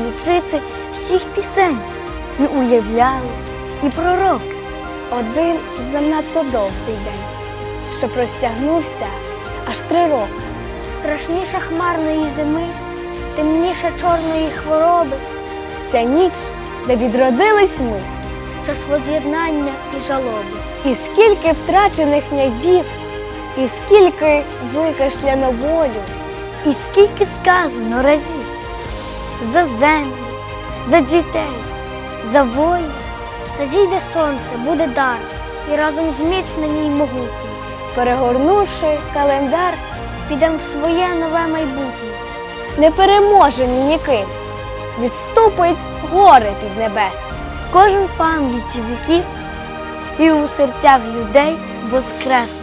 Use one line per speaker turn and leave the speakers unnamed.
злічити всіх пісень ми уявляли і пророки.
Один занадто довгий день, що простягнувся аж 3 роки.
Страшніша хмарної зими, темніша чорної хвороби,
Ця ніч, де відродились ми,
час воз'єднання і жалоби.
і скільки втрачених князів, і скільки викашляно болю,
І скільки сказано разів за землю, за дітей, за волю. Та зійде сонце, буде дар, і разом зміцнені й могутні.
перегорнувши календар,
Підем в своє нове майбутнє.
непереможені ніким, відступить горе піднебесне.
Кожен в пам'яті віків і у серцях людей воскресне.